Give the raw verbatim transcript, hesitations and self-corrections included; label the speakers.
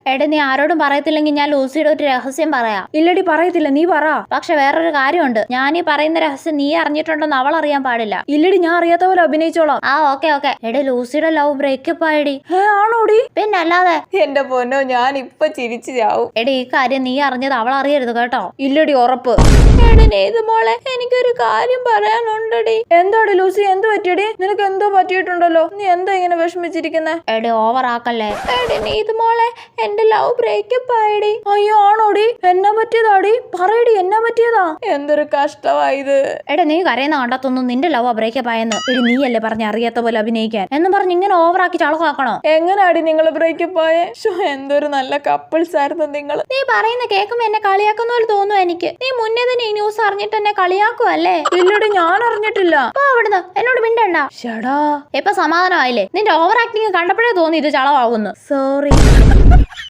Speaker 1: എടാ നീ ആരോടും പറയത്തില്ലെങ്കിൽ ഞാൻ ലൂസിയുടെ ഒരു രഹസ്യം പറയാം.
Speaker 2: ഇല്ലടി പറയത്തില്ല, നീ പറ.
Speaker 1: പക്ഷെ വേറൊരു കാര്യമുണ്ട്, ഞാൻ ഈ പറയുന്ന രഹസ്യം നീ അറിഞ്ഞിട്ടുണ്ടെന്ന് അവൾ അറിയാൻ പാടില്ല.
Speaker 2: ഇല്ലടി, ഞാൻ അറിയാത്ത പോലെ അഭിനയിച്ചോളാം.
Speaker 1: ആ ഓക്കെ ഓക്കെ. എടാ ലൂസിയുടെ ലവ് ബ്രേക്കപ്പ് ആയിടി.
Speaker 2: ഏ ആണോടി?
Speaker 1: പിന്നെ അല്ലാതെ.
Speaker 2: എന്റെ പൊന്നോ, ഞാൻ ഇപ്പൊ ചിരിച്ചു ചാവും.
Speaker 1: എടാ ഈ കാര്യം നീ അറിഞ്ഞത് അവൾ അറിയരുത് കേട്ടോ.
Speaker 2: ഇല്ലടി, ഉറപ്പ്.
Speaker 1: മോളെ എനിക്കൊരു കാര്യം പറയാനുണ്ടടി.
Speaker 2: എന്താടി ലൂസി, എന്ത് പറ്റിയടി? നിനക്ക് എന്തോ പറ്റിയിട്ടുണ്ടല്ലോ, നീ എന്താ ഇങ്ങനെ വിഷമിച്ചിരിക്കുന്നേ?
Speaker 1: എടി ഓവർ ആക്കല്ലേ. എടി നീത് മോളെ, എന്റെ ലവ് ബ്രേക്കപ്പ് ആയിടി.
Speaker 2: അയ്യോ ആണോടി? എന്നാ പറ്റിയതാടി? പറയടി, എന്നാ പറ്റിയതാ? എന്തൊരു കഷ്ടമായത്.
Speaker 1: എടാ നീ കരയുന്ന കണ്ടത്തൊന്നും നിന്റെ ലവ് ബ്രേക്കപ്പ് ആയെന്ന്. എടി നീയല്ലേ പറഞ്ഞ അറിയാത്ത പോലെ അഭിനയിക്കാൻ എന്നും പറഞ്ഞ് ഇങ്ങനെ ഓവർ ആക്കി ചളവാക്കണോ?
Speaker 2: എങ്ങനാടി നിങ്ങൾ ബ്രേക്കപ്പ് ആയേ? എന്തൊരു നല്ല കപ്പിൾസ് ആയിരുന്നു നിങ്ങൾ.
Speaker 1: നീ പറയുന്ന കേൾക്കുമ്പോ എന്നെ കളിയാക്കുന്ന പോലെ തോന്നുന്നു എനിക്ക്. നീ മുന്നേ തന്നെ ഈ ന്യൂസ് അറിഞ്ഞിട്ട് എന്നെ കളിയാക്കുവല്ലേ?
Speaker 2: ഇല്ലടി, ഞാൻ അറിഞ്ഞിട്ടില്ല.
Speaker 1: അവിടുന്ന് എന്നോട് മിണ്ടണ്ട.
Speaker 2: ഷടാ,
Speaker 1: ഇപ്പൊ സമാധാനമായില്ലേ? നിന്റെ ഓവർ ആക്ടിങ് കണ്ടപ്പോഴേ തോന്നി ഇത് ചളവാകുന്നു.
Speaker 2: സോറി.